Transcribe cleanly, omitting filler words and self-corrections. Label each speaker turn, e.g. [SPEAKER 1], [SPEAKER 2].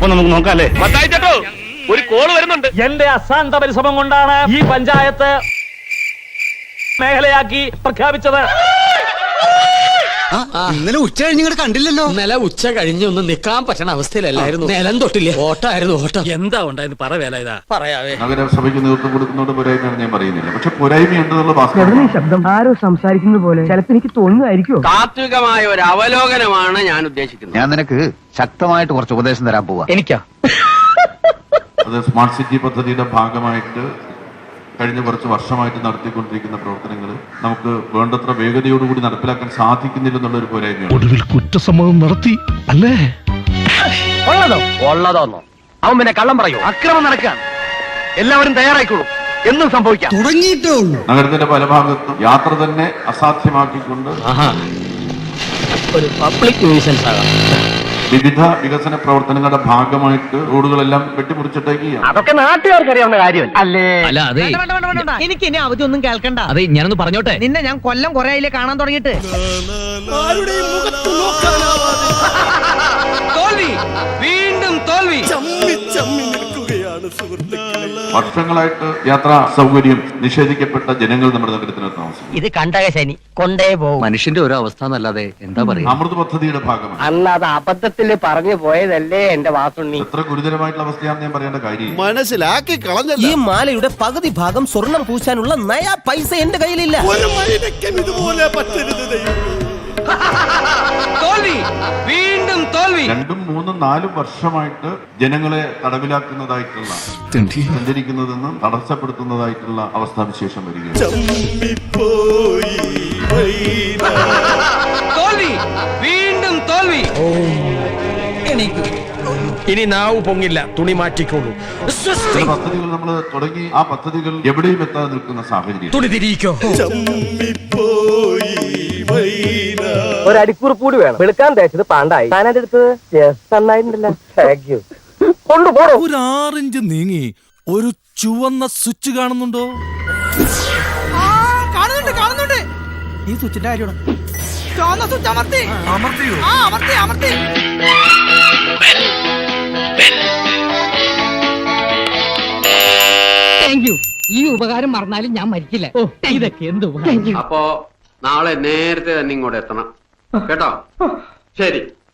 [SPEAKER 1] അപ്പൊ നമുക്ക് നോക്കാം അല്ലേ?
[SPEAKER 2] ഒരു കോള് വരുന്നുണ്ട്.
[SPEAKER 1] എന്റെ അശാന്ത പരിശ്രമം കൊണ്ടാണ് ഈ പഞ്ചായത്ത് മേഖലയാക്കി പ്രഖ്യാപിച്ചത്.
[SPEAKER 3] ഇന്നലെ ഉച്ച കഴിഞ്ഞ് കണ്ടില്ലല്ലോ.
[SPEAKER 4] ഇന്നലെ ഉച്ച കഴിഞ്ഞൊന്നും നിക്കാൻ പറ്റണ അവസ്ഥയിലല്ലായിരുന്നു. നിലം തൊട്ടില്ല, ഓട്ടായിരുന്നു ഓട്ടം. എന്താ ഉണ്ടായിരുന്നു പറ വേല ഇതാ പറയാവേ.
[SPEAKER 5] നഗരസഭയ്ക്ക് നേതൃത്വം കൊടുക്കുന്നതോട് പോരായ്മയാണ് ഞാൻ പറയുന്നില്ല, പക്ഷെ പോരായ്മയുണ്ടെന്നുള്ള
[SPEAKER 6] ശബ്ദം ആരോ സംസാരിക്കുന്നത് പോലെ ചിലപ്പോൾ എനിക്ക് തോന്നുന്നതായിരിക്കും.
[SPEAKER 2] താത്വികമായ ഒരു അവലോകനമാണ് ഞാൻ ഉദ്ദേശിക്കുന്നത്.
[SPEAKER 3] ഞാൻ നിനക്ക് ശക്തമായിട്ട് കുറച്ച് ഉപദേശം തരാൻ പോവാ.
[SPEAKER 4] എനിക്കാ
[SPEAKER 5] അത് സ്മാർട്ട് സിറ്റി പദ്ധതിയുടെ ഭാഗമായിട്ട് കഴിഞ്ഞ കുറച്ച് വർഷമായിട്ട് നടത്തിക്കൊണ്ടിരിക്കുന്ന പ്രവർത്തനങ്ങൾ നമുക്ക് വേണ്ടത്ര വേഗതയോടുകൂടി നടപ്പിലാക്കാൻ സാധിക്കുന്നില്ലെന്നുള്ള ഒരു പോരായ്മയാണ്.
[SPEAKER 7] ഒടുവിൽ കുറ്റസമ്മതം നടത്തി അല്ലേ?
[SPEAKER 2] ഉള്ളതോന്നോ അവൻ പിന്നെ കള്ളം പറയൂ. അക്രമം നടക്കാൻ എല്ലാവരും തയ്യാറായിക്കോളൂ, എന്നും സംഭവിക്കാം.
[SPEAKER 5] നഗരത്തിന്റെ പല ഭാഗത്തും യാത്ര തന്നെ അസാധ്യമാക്കിക്കൊണ്ട്
[SPEAKER 4] ഒരു പബ്ലിക് ന്യൂസൻസ് ആകാം.
[SPEAKER 5] വിവിധ വികസന പ്രവർത്തനങ്ങളുടെ ഭാഗമായിട്ട് റോഡുകളെല്ലാം വെട്ടിമുറിച്ചിട്ടേക്കുകയാണ്.
[SPEAKER 2] അതൊക്കെ നാട്ടുകാർക്ക് അറിയാവുന്ന കാര്യമല്ല അല്ലേ?
[SPEAKER 4] അല്ല അതെ,
[SPEAKER 6] എനിക്ക് ഇനി അവധി ഒന്നും കേൾക്കണ്ട.
[SPEAKER 4] അതെ ഞാനൊന്ന് പറഞ്ഞോട്ടെ.
[SPEAKER 6] നിന്നെ ഞാൻ കൊല്ലം കുറെ ആയില്ലേ കാണാൻ തുടങ്ങിയിട്ട്.
[SPEAKER 2] തോൽവി, വീണ്ടും തോൽവി.
[SPEAKER 5] വർഷങ്ങളായിട്ട് യാത്രാ സൗകര്യം നിഷേധിക്കപ്പെട്ട ജനങ്ങൾ നമ്മുടെ നഗരത്തിനകത്ത് താമസിക്കും.
[SPEAKER 6] ഇത് കണ്ടക ശനി കൊണ്ടേ പോകും.
[SPEAKER 4] മനുഷ്യന്റെ ഓരോ അവസ്ഥ എന്നല്ലാതെ എന്താ പറയാ.
[SPEAKER 5] അമൃത് പദ്ധതിയുടെ ഭാഗമാണ്.
[SPEAKER 2] അന്ന് അത് അബദ്ധത്തിൽ പറഞ്ഞു പോയതല്ലേ എന്റെ വാസുണ്ണി.
[SPEAKER 5] എത്ര ഗുരുതരമായിട്ടുള്ള അവസ്ഥയാണെന്ന് ഞാൻ പറയേണ്ട കാര്യം.
[SPEAKER 8] മനസ്സിലാക്കി കളഞ്ഞ
[SPEAKER 6] ഈ മാലയുടെ പകുതി ഭാഗം സ്വർണം പൂശാനുള്ള നയാ പൈസ എന്റെ കയ്യിലില്ല.
[SPEAKER 8] ഇതുപോലെ പറ്റരുത്.
[SPEAKER 2] തോൽവി, വീണ്ടും തോൽവി.
[SPEAKER 5] 2, 3, 4 വർഷമായിട്ട് ജനങ്ങളെ തടവിലാക്കുന്നതായിട്ടുള്ള സഞ്ചരിക്കുന്നതെന്നും തടസ്സപ്പെടുത്തുന്നതായിട്ടുള്ള അവസ്ഥാവിശേഷം വരികയാണ്.
[SPEAKER 2] തോൽവി, വീണ്ടും തോൽവി.
[SPEAKER 4] ഇനി നാവ് പൊങ്ങില്ല, തുണി മാറ്റിക്കോളൂ.
[SPEAKER 5] ചില പദ്ധതികൾ നമ്മൾ തുടങ്ങി ആ പദ്ധതികൾ എവിടെയും എത്താതെ നിൽക്കുന്ന സാഹചര്യം.
[SPEAKER 4] തുണി തിരിയിക്കോ.
[SPEAKER 2] ഒരു അടിക്കുറിപ്പ് കൂടി വേണം. വെളുക്കാൻ തേച്ചത് പാണ്ടായി, താനത് എടുത്തത് നന്നായിട്ടുണ്ടല്ലോ. Thank you. കൊണ്ടുപോടോ.
[SPEAKER 8] ഒരു 6 ഇഞ്ച് നീങ്ങി ഒരു ചുവന്ന സ്വിച്ച് കാണുന്നുണ്ടോ?
[SPEAKER 6] കാണുന്നുണ്ട്. ഈ സ്വിച്ചിന്റെ കാര്യമാണ്. ചുവന്ന സ്വിച്ച് അമർത്തി. അമർത്തി. Thank you. ഈ ഉപകാരം മറന്നാലും ഞാൻ മരിക്കില്ല. ഇതൊക്കെ എന്ത്
[SPEAKER 2] അപ്പോ നാളെ നേരത്തെ തന്നെ ഇങ്ങോട്ട് എത്തണം കേട്ടോ. ശരി.